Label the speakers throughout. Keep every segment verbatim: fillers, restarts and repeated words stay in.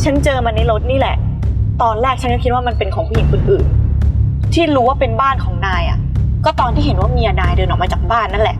Speaker 1: ฉันเจอมันในรถนี่แหละตอนแรกฉันก็คิดว่ามันเป็นของผู้หญิงคนอื่นที่รู้ว่าเป็นบ้านของนายอ่ะก็ตอนที่เห็นว่าเมียนายเดินออกมาจากบ้านนั่นแหละ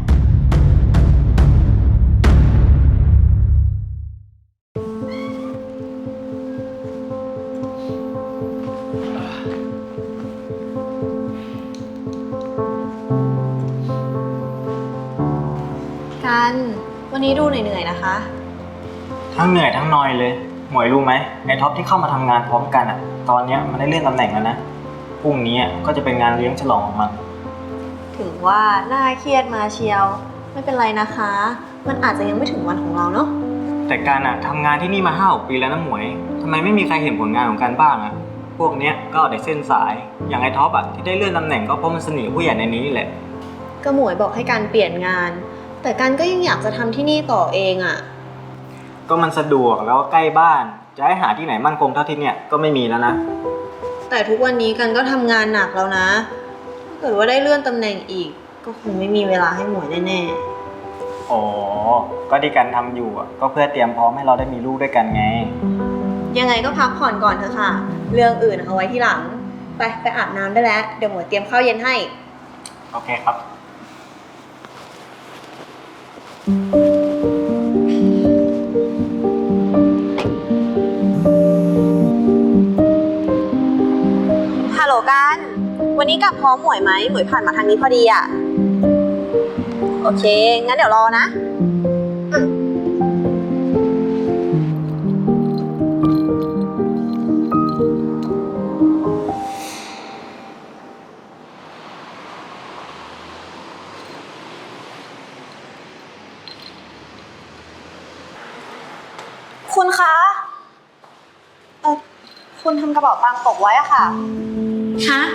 Speaker 2: กันวันนี้ดูเหนื่อยๆนะคะ
Speaker 3: ทั้งเหนื่อยทั้งนอยเลยหมวยรู้ไหมไอ้ท็อปที่เข้ามาทำงานพร้อมกันอ่ะตอนนี้มันได้เลื่อนตำแหน่งแล้วนะพรุ่งนี้ก็จะเป็นงานเลี้ยงฉลองของมัน
Speaker 2: ถึงว่าน่าเครียดมาเชียวไม่เป็นไรนะคะมันอาจจะยังไม่ถึงวันของเราเนาะ
Speaker 3: แต่การอ่ะทำงานที่นี่มาห้าหกปีแล้วนะหมวยทำไมไม่มีใครเห็นผลงานของการบ้างอ่ะพวกเนี้ยก็เอาแต่เส้นสายอย่างไอ้ท็อปอ่ะที่ได้เลื่อนตำแหน่งก็เพราะมันสนิทกับผู้ใหญ่ในนี้แหละ
Speaker 2: ก็หมวยบอกให้การเปลี่ยนงานแต่การก็ยังอยากจะทำที่นี่ต่อเองอ่ะ
Speaker 3: ก็มันสะดวกแล้วก็ใกล้บ้านจะให้หาที่ไหนมั่นคงเท่าที่เนี่ยก็ไม่มีแล้วนะ
Speaker 2: แต่ทุกวันนี้กันก็ทำงานหนักแล้วนะถ้าเกิดว่าได้เลื่อนตำแหน่งอีกก็คงไม่มีเวลาให้หมวยแน่
Speaker 3: ๆอ๋อก็ที่การทำอยู่อ่ะก็เพื่อเตรียมพร้อมให้เราได้มีลูกด้วยกันไง
Speaker 2: ยังไงก็พักผ่อนก่อนเถอะค่ะเรื่องอื่นเอาไว้ที่หลังไปไปอาบน้ำได้แล้วเดี๋ยวหมวยเตรียมข้าวเย็นให้
Speaker 3: โอเคครับ
Speaker 2: ฮัลโหลกันวันนี้กลับพร้อมหมวยไหมหมวยผ่านมาทางนี้พอดีอ่ะโอเคงั้นเดี๋ยวรอนะคุณคะเออคุณทำกระเป๋าตังค์ตกไว้อะค่ะ
Speaker 1: ฮะ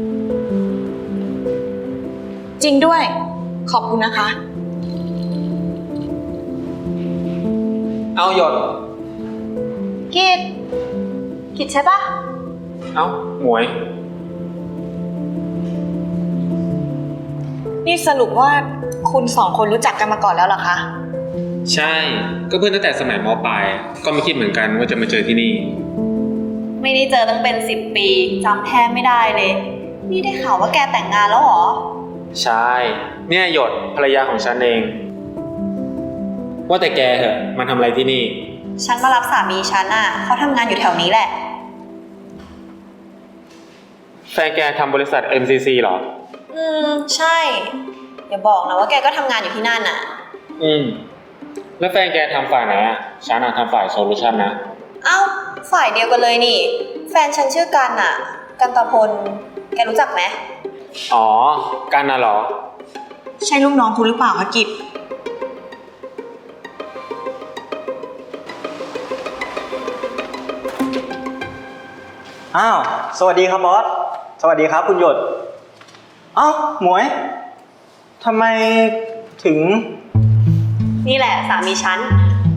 Speaker 1: จริงด้วยขอบคุณนะคะ
Speaker 3: เอาหยด
Speaker 2: กิดกิดใช่ปะ
Speaker 3: เอาหมวย
Speaker 1: นี่สรุปว่าคุณสองคนรู้จักกันมาก่อนแล้วเหรอคะ
Speaker 4: ใช่ก็เพื่อนตั้งแต่สมัยม.ปลายก็ไม่คิดเหมือนกันว่าจะมาเจอที่นี่
Speaker 2: ไม่ได้เจอตั้งเป็นสิบปีจำแทบไม่ได้เลยนี่ได้ข่าวว่าแกแต่งงานแล้วเหรอ
Speaker 4: ใช่เนี่ยหยดภรรยาของฉันเองว่าแต่แกเหรอมาทำอะไรที่นี่
Speaker 2: ฉันมารับสามีฉันอ่ะเขาทำงานอยู่แถวนี้แหละ
Speaker 4: แฟนแกทำบริษัท เอ็ม ซี ซี เหรอ
Speaker 2: อืมใช่อย่าบอกนะว่าแกก็ทำงานอยู่ที่นั่นอ่ะ
Speaker 4: อืมแล้วแฟนแกทำฝ่ายไหนอ่ะฉันอ่ะทำฝ่ายโซลูชันนะ
Speaker 2: เอ้าฝ่ายเดียวกันเลยนี่แฟนฉันชื่อกันอ่ะกันตะพลแกรู้จักไหม
Speaker 4: อ๋อกันน่ะเหรอ
Speaker 1: ใช่ลูกน้องคุณหรือเปล่าคะกิจ
Speaker 3: อ้าวสวัสดีครับบอสสวัสดีครับคุณหยดอ้าวหมวยทำไมถึง
Speaker 2: นี่แหละสามีฉัน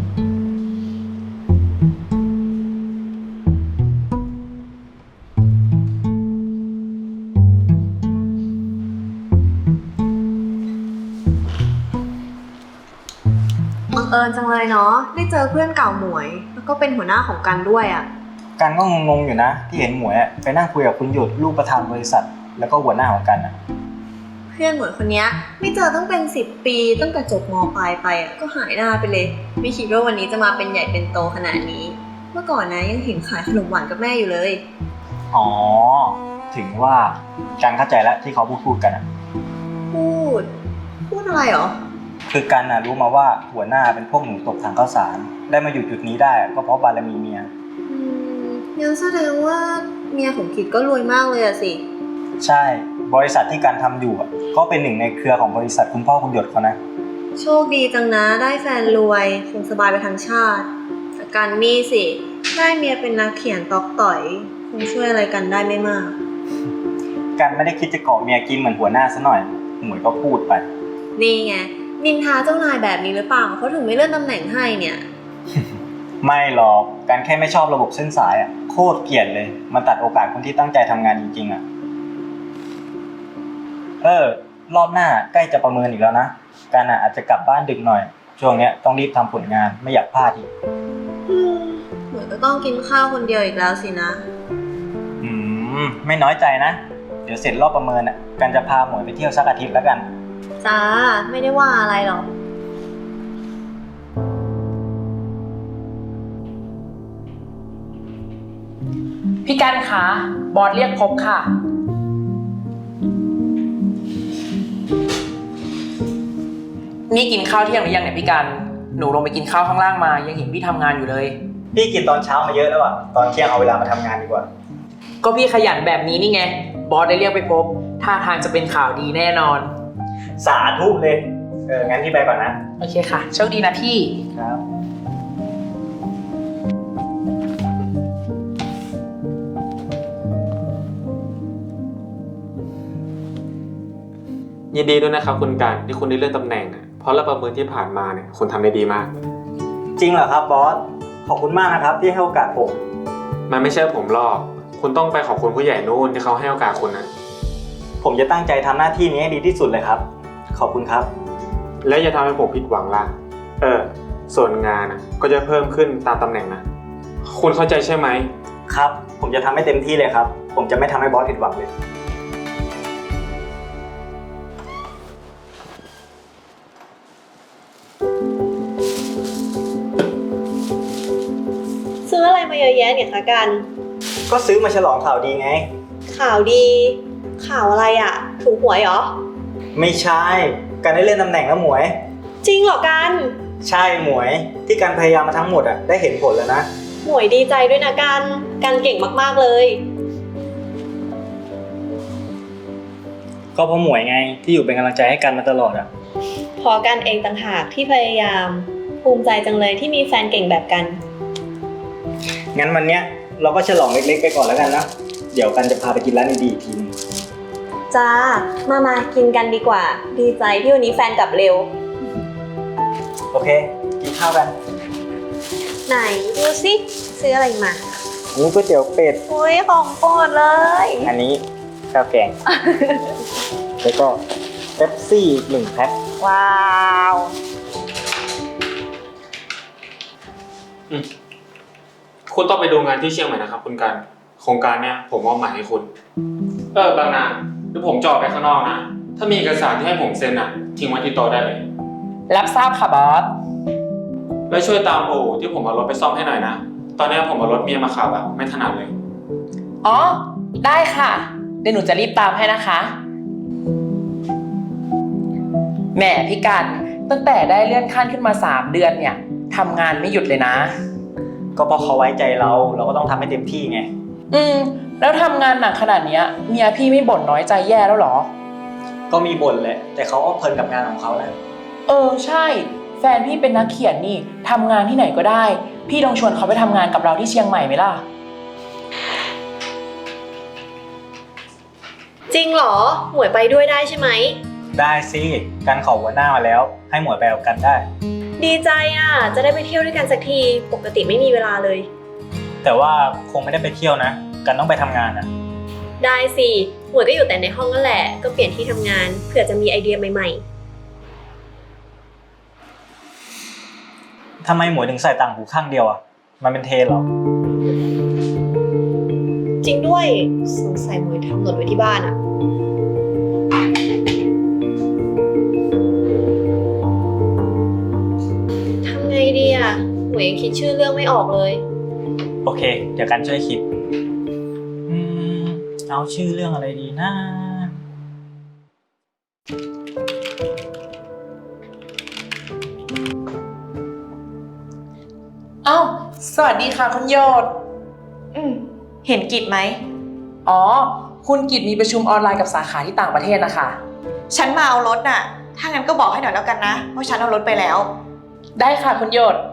Speaker 2: บังเอิญจังเลยเนาะได้เจอเพื่อนเก่าหมวยแล้วก็เป็นหัวหน้าของกันด้วยอ่ะ
Speaker 3: กันก็งงๆอยู่นะที่เห็นหมวยไปนั่งคุยกับคุณหยดลูกประธานบริษัทแล้วก็หัวหน้าของกันอ่ะ
Speaker 2: เพื่อนหมวยคนนี้ไม่เจอตั้งเป็นสิบปีตั้งแต่จบม.ปลายไปอ่ะก็หายหน้าไปเลยไม่คิดว่าวันนี้จะมาเป็นใหญ่เป็นโตขนาดนี้เมื่อก่อนนะยังเห็นขายขนมหวานกับแม่อยู่เลย
Speaker 3: อ๋อถึงว่ากันเข้าใจแล้วที่เขาพูดพูดกันอ่ะ
Speaker 2: พูดพูดอะไรหรอ
Speaker 3: คือกันน่ะรู้มาว่าหัวหน้าเป็นพวกหนูตกถังข้าวสารได้มาอยู่จุดนี้ได้ก็เพราะบารมีเมีย
Speaker 2: อืมงั้นแสดงว่าเมียของกิจก็รวยมากเลยอะสิ
Speaker 3: ใช่บริษัทที่การทำอยู่ก็เป็นหนึ่งในเครือของบริษัทคุณพ่อคุณหยดเขานะ
Speaker 2: โชคดีจังนะได้แฟนรวยคงสบายไปทั้งชาติแต่การนี่สิได้เมียเป็นนักเขียนตอกต่อยคงช่วยอะไรกันได้ไม่มาก
Speaker 3: กันไม่ได้คิดจะเกาะเมียกินเหมือนหัวหน้าซะหน่อยหมวยก็พูดไป
Speaker 2: นี่ไงนินทาเจ้านายแบบนี้หรือเปล่าเขาถึงไม่เลื่อนตำแหน่งให้เนี่ย
Speaker 3: ไม่หรอกการแค่ไม่ชอบระบบเส้นสายอ่ะโคตรเกลียดเลยมันตัดโอกาสคนที่ตั้งใจทำงานจริงๆอ่ะเออรอบหน้าใกล้จะประเมินอีกแล้วนะการอาจจะกลับบ้านดึกหน่อยช่วงนี้ต้องรีบทำผลงานไม่อยากพลาดอีก
Speaker 2: หนูวยก็ต้องกินข้าวคนเดียวอีกแล้วสินะ
Speaker 3: อืม ไม่น้อยใจนะ เดี๋ยวเสร็จรอบประเมินอ่ะ กันจะพาหมวยไปเที่ยวสักอาทิตย์แล้วกัน
Speaker 2: จ้า ไม่ได้ว่าอะไรหรอก
Speaker 5: พี่กันคะบอสเรียกพบค่ะ นี่กินข้าวเที่ยงหรือยังเนี่ยพี่กัน หนูลงไปกินข้าวข้างล่างมายังเห็นพี่ทำงานอยู่เลย
Speaker 3: พี่กินตอนเช้ามาเยอะแล้วอ่ะ ตอนเที่ยงเอาเวลามาทำงานดีกว่า
Speaker 5: ก็พี่ขยันแบบนี้นี่ไง บอสได้เรียกไปพบท่าทางจะเป็นข่าวดีแน่นอน
Speaker 3: สาธุเลย เออ งั้นพี่ไปก่อนนะ
Speaker 5: โอเคค่ะ โชคดีนะพี่
Speaker 3: ครับ
Speaker 4: ยินดีด้วยนะครับคุณการที่คุณได้เลื่อนตำแหน่งอะเพราะระประเมินที่ผ่านมาเนี่ยคุณทำได้ดีมาก
Speaker 3: จริงเหรอครับบอส ขอบคุณมากนะครับที่ให้โอกาสผม
Speaker 4: มันไม่ใช่ผมหรอกคุณต้องไปขอบคุณผู้ใหญ่นู่นที่เขาให้โอกาสคุณนะ
Speaker 3: ผมจะตั้งใจทำหน้าที่นี้ให้ดีที่สุดเลยครับ ขอบคุณครับ
Speaker 4: และอย่าทำให้ผมผิดหวังล่ะ เออ ส่วนงานนะก็จะเพิ่มขึ้นตามตำแหน่งนะ คุณเข้าใจใช่ไหม
Speaker 3: ครับ ผมจะทำให้เต็มที่เลยครับ ผมจะไม่ทำให้บอสผิดหวังเลย
Speaker 2: ซื้ออะไรมาเยอะแยะเนี่ยคะกัน
Speaker 3: ก็ซื้อมาฉลองข่าวดีไง
Speaker 2: ข่าวดี ข่าวอะไรอะถูกหวยเหรอ
Speaker 3: ไม่ใช่ การได้เลื่อนตำแหน่งแล้วหมวย
Speaker 2: จริงเหรอกัน
Speaker 3: ใช่หมวย ที่การพยายามมาทั้งหมดอ่ะได้เห็นผลแล้วนะ
Speaker 2: หมวยดีใจด้วยนะกัน กันเก่งมากๆเลย
Speaker 3: ก็เพราะหมวยไงที่อยู่เป็นกำลังใจให้กันมาตลอดอ่ะ
Speaker 2: พอกันเองต่างหากที่พยายาม ภูมิใจจังเลยที่มีแฟนเก่งแบบกัน
Speaker 3: งั้นวันเนี้ยเราก็ฉลองเล็กๆไปก่อนแล้วกันนะ เดี๋ยวกันจะพาไปกินร้านดีๆอีกทีนึง
Speaker 2: จ้า มามากินกันดีกว่า ดีใจที่วันนี้แฟนกลับเร็ว
Speaker 3: โอเค กินข้าวกัน
Speaker 2: ไหนดูสิซื้ออะไรมา
Speaker 3: นี่ก๋วยเตี๋ยวเป็ด
Speaker 2: อุ้ยของโปรดเลย
Speaker 3: อันนี้ข้าวแกง แล้วก็เป๊ปซี่อีกหนึ่งแพ็ค
Speaker 2: ว้าว
Speaker 4: คุณต้องไปดูงานที่เชียงใหม่นะครับคุณการโครงการเนี้ยผมมอบหมายให้คุณ เออบางนาเดี๋ยวผมจะออกไปข้างนอกนะ ถ้ามีเอกสารที่ให้ผมเซ็นอ่ะทิ้งไว้ที่โต๊ะได้เลย
Speaker 5: รับทราบค่ะบอส
Speaker 4: แล้วช่วยตามโอที่ผมเอารถไปซ่อมให้หน่อยนะ ตอนนี้ผมเอารถเมียมาขับอะไม่ถนัดเลย
Speaker 5: อ๋อ ได้ค่ะ เดี๋ยวหนูจะรีบตามให้นะคะแหมพี่กันตั้งแต่ได้เลื่อนขั้นขึ้นมาสามเดือนเนี่ยทำงานไม่หยุดเลยนะ
Speaker 3: ก็เพราะเขาไว้ใจเรา เราก็ต้องทำให้เต็มที่ไง
Speaker 5: อืม แล้วทำงานหนักขนาดเนี้ยเมียพี่ไม่บ่นน้อยใจแย่แล้วเหรอ
Speaker 3: ก็มีบ่นแหละ แต่เขาก็เพลินกับงานของเขานะ
Speaker 5: เออใช่ แฟนพี่เป็นนักเขียนนี่ทำงานที่ไหนก็ได้ พี่ลองชวนเขาไปทำงานกับเราที่เชียงใหม่ไหมล่ะ
Speaker 2: จริงเหรอ หมวยไปด้วยได้ใช่ไหม
Speaker 3: ได้สิ กันขอหัวหน้ามาแล้ว ให้หมวยไปกับกันได้
Speaker 2: ดีใจอ่ะ จะได้ไปเที่ยวด้วยกันสักที ปกติไม่มีเวลาเลย
Speaker 3: แต่ว่าคงไม่ได้ไปเที่ยวนะ กันต้องไปทำงานอ่ะ
Speaker 2: ได้สิ หมวยก็อยู่แต่ในห้องนั่นแหละ ก็เปลี่ยนที่ทำงาน เผื่อจะมีไอเดียใหม่ๆ
Speaker 3: ทำไมหมวยถึงใส่ต่างหูข้างเดียวอ่ะ มันเป็นเทรนเหรอ
Speaker 2: จริงด้วย สงสัยหมวยทำหล่นไว้ที่บ้านอะทำไงดีอะหมวยยังคิดชื่อเรื่องไม่ออกเลย
Speaker 3: โอเค เดี๋ยวกันช่วยคิด อืม เอาชื่อเรื่องอะไรดีนะ
Speaker 5: เอ้า สวัสดีค่ะคุณโยศ
Speaker 1: อืม เห็นกิจไหม
Speaker 5: อ๋อ คุณกิจมีประชุมออนไลน์กับสาขาที่ต่างประเทศนะคะ
Speaker 1: ฉันมาเอารถน่ะ ถ้างั้นก็บอกให้หน่อยแล้วกันนะว่าฉันเอารถไปแล้ว
Speaker 5: ได้ค่ะคุณโยศ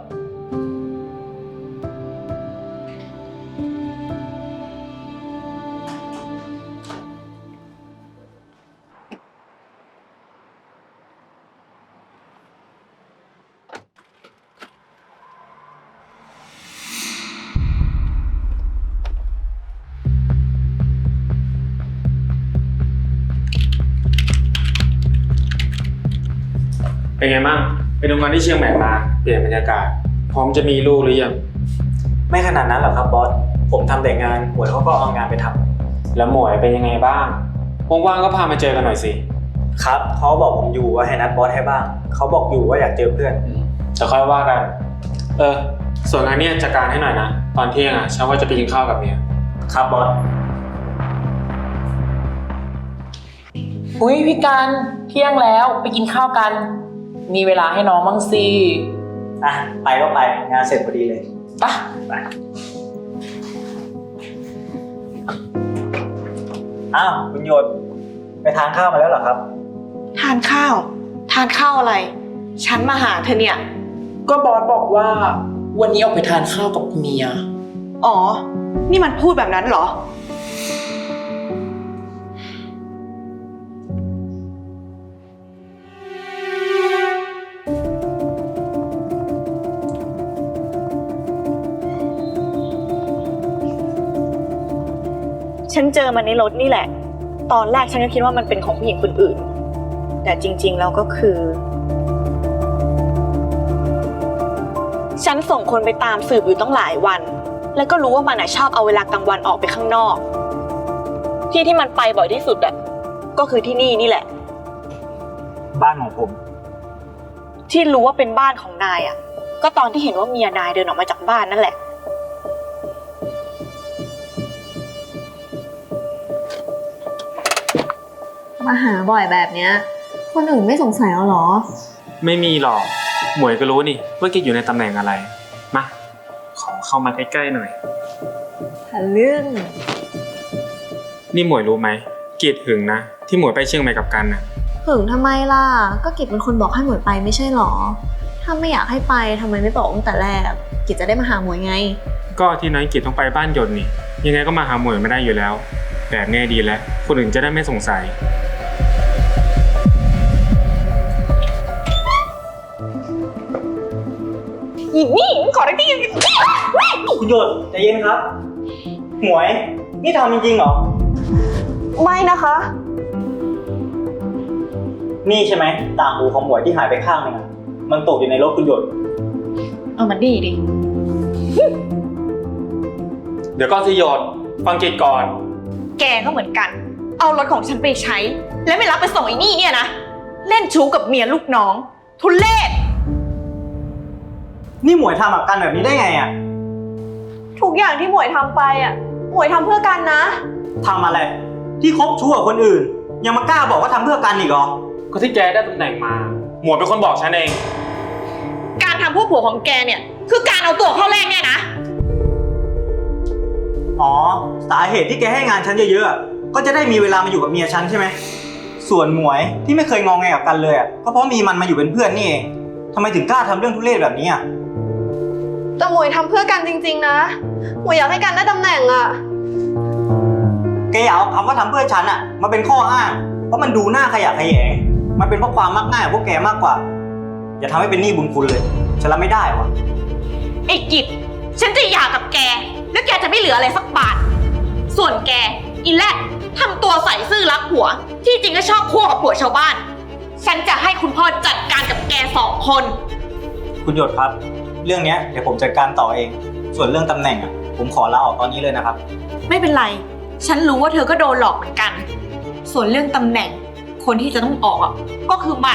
Speaker 4: เป็นไงบ้างไปดูงานที่เชียงใหม่มาเปลี่ยนบรรยากาศ พร้อมจะมีลูกหรือยัง
Speaker 3: ไม่ขนาดนั้นหรอกครับบอส ผมทำแต่งานหมวยเขาก็เอางานไปทำ
Speaker 4: แล้วหมวยเป็นยังไงบ้างว่างๆก็พามาเจอกันหน่อยสิ
Speaker 3: ครับเขาบอกผมอยู่ว่าให้นัดบอสให้บ้าง เขาบอกอยู่ว่าอยากเจอเพื่อน
Speaker 4: จะค่อยว่ากัน เออ ส่วนงานเนี้ยจัดการให้หน่อยนะ ตอนเที่ยงอ่ะฉันว่าจะไปกินข้าวกับเมีย
Speaker 3: ครับบอส
Speaker 5: อุ้ยพี่กันเที่ยงแล้วไปกินข้าวกัน มีเวลาให้น้องบ้างสิ
Speaker 3: อ่ะไปก็ไปงานเสร็จพอดีเลย
Speaker 5: ไปะ
Speaker 3: ไปอ้าวคุณโยนไปทานข้าวมาแล้วเหรอครับ
Speaker 1: ทานข้าว ทานข้าวอะไร ฉันมาหาเธอเนี่ย
Speaker 5: ก็บอสบอกว่าวันนี้ออกไปทานข้าวกับเมีย
Speaker 1: อ๋อ นี่มันพูดแบบนั้นเหรอ ฉันเจอมันในรถนี่แหละ ตอนแรกฉันก็คิดว่ามันเป็นของผู้หญิงคนอื่น แต่จริงๆแล้วก็คือ ฉันส่งคนไปตามสืบอยู่ตั้งหลายวัน แล้วก็รู้ว่ามันชอบเอาเวลากลางวันออกไปข้างนอก ที่ที่มันไปบ่อยที่สุดอ่ะก็คือที่นี่นี่แหละ
Speaker 3: บ้านของผม
Speaker 1: ที่รู้ว่าเป็นบ้านของนายอ่ะก็ตอนที่เห็นว่าเมียนายเดินออกมาจากบ้านนั่นแหละ
Speaker 2: มาหาบ่อยแบบเนี้ยคนอื่นไม่สงสัยเอาหรอ
Speaker 4: ไม่มีหรอก หมวยก็รู้นี่ว่าแกอยู่ในตำแหน่งอะไร มา ขอเข้ามาใกล้ๆหน่อย
Speaker 2: ทะลึ่ง
Speaker 4: นี่หมวยรู้ไหมเกลียดหึงนะ ที่หมวยไปเชียงใหม่กับกันน่ะ
Speaker 2: หึงทำไมล่ะ ก็กิจเป็นคนบอกให้หมวยไปไม่ใช่หรอ ถ้าไม่อยากให้ไปทำไมไม่บอกตั้งแต่แรก กิจจะได้มาหาหมวยไง
Speaker 4: ก็ที่น้อยเกลียดต้องไปบ้านหยดนี่ ยังไงก็มาหาหมวยไม่ได้อยู่แล้ว แบบนี้ดีแล้ว คนอื่นจะได้ไม่สงสัย
Speaker 1: อีนี่ขอได้ที่
Speaker 3: คุณโยนใจเย็นครับ หมวย นี่ทำจริงๆเหรอ
Speaker 1: ไม่นะคะ
Speaker 3: นี่ใช่ไหมต่างหูของหมวยที่หายไปข้างหนึงอะมันตกอยู่ในรถคุณโยน
Speaker 1: เอามันดีดิ
Speaker 4: เดี๋ยวก็สิหยดฟังเกตก่อน
Speaker 1: แกก็เหมือนกัน เอารถของฉันไปใช้ แล้วไม่รับไปส่งไอ้นี่เนี่ยนะ เล่นชู้กับเมียลูกน้อง ทุเลศ
Speaker 3: นี่หมวยทำกับกันแบบนี้ได้ไงอ่ะ
Speaker 2: ทุกอย่างที่หมวยทำไปอ่ะ หมวยทำเพื่อกันนะ
Speaker 3: ทำอะไร ที่คบชู้กับคนอื่น ยังมากล้าบอกว่าทำเพื่อกันอีกเหรอ
Speaker 4: ก็ที่แกได้ตำแหน่งมา หมวยเป็นคนบอกฉันเอง
Speaker 1: การทำพวกผัวของแกเนี่ย คือการเอาตัวเข้าแรกเนี่ยนะ
Speaker 3: อ๋อ สาเหตุที่แกให้งานฉันเยอะๆอะก็จะได้มีเวลามาอยู่กับเมียฉันใช่ไหม ส่วนหมวยที่ไม่เคยงองแงกับกันเลยอ่ะก็เพราะมีมันมาอยู่เป็นเพื่อนนี่เองทำไมถึงกล้าทำเรื่องทุเรศแบบนี้อ่ะ
Speaker 2: แต่หมวยทำเพื่อกันจริงๆนะ หมวยอยากให้กันได้ตำแหน่งอ่ะ
Speaker 3: แกอย่าเอาคำว่าทำเพื่อฉันอ่ะมาเป็นข้ออ้าง เพราะมันดูหน้าขยะแขยง มันเป็นเพราะความมักง่ายของพวกแกมากกว่า อย่าทำให้เป็นหนี้บุญคุณเลย ฉันรับไม่ได้วะ
Speaker 1: ไอ้กิจฉันจะหย่ากับแก แล้วแกจะไม่เหลืออะไรสักบาท ส่วนแก อีแรกทำตัวใส่ซื่อรักผัว ที่จริงก็ชอบคั่วกับผัวชาวบ้าน ฉันจะให้คุณพ่อจัดการกับแกสองคน
Speaker 3: คุณหยดครับ เรื่องเนี้ยเดี๋ยวผมจัดการต่อเอง ส่วนเรื่องตำแหน่งอ่ะผมขอลาออกตอนนี้เลยนะครับ
Speaker 1: ไม่เป็นไร ฉันรู้ว่าเธอก็โดนหลอกเหมือนกัน ส่วนเรื่องตำแหน่ง คนที่จะต้องออกอ่ะก็คือมัน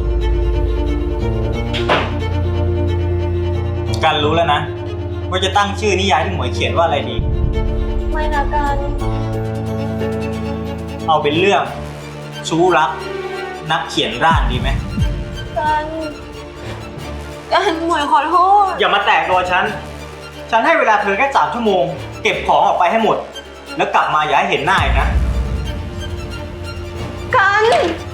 Speaker 3: กันรู้แล้วนะว่าจะตั้งชื่อนิยายที่หมวยเขียนว่าอะไรดี
Speaker 2: ไม่นะกัน
Speaker 3: เอาเป็นเรื่องชู้รักนักเขียนร่างดีไหม
Speaker 2: กัน กันหมวยขอโทษ
Speaker 3: อย่ามาแตะตัวฉัน ฉันให้เวลาเธอแค่สามชั่วโมง เก็บของออกไปให้หมด แล้วกลับมาอย่าให้เห็นหน้าอีกนะ
Speaker 2: กัน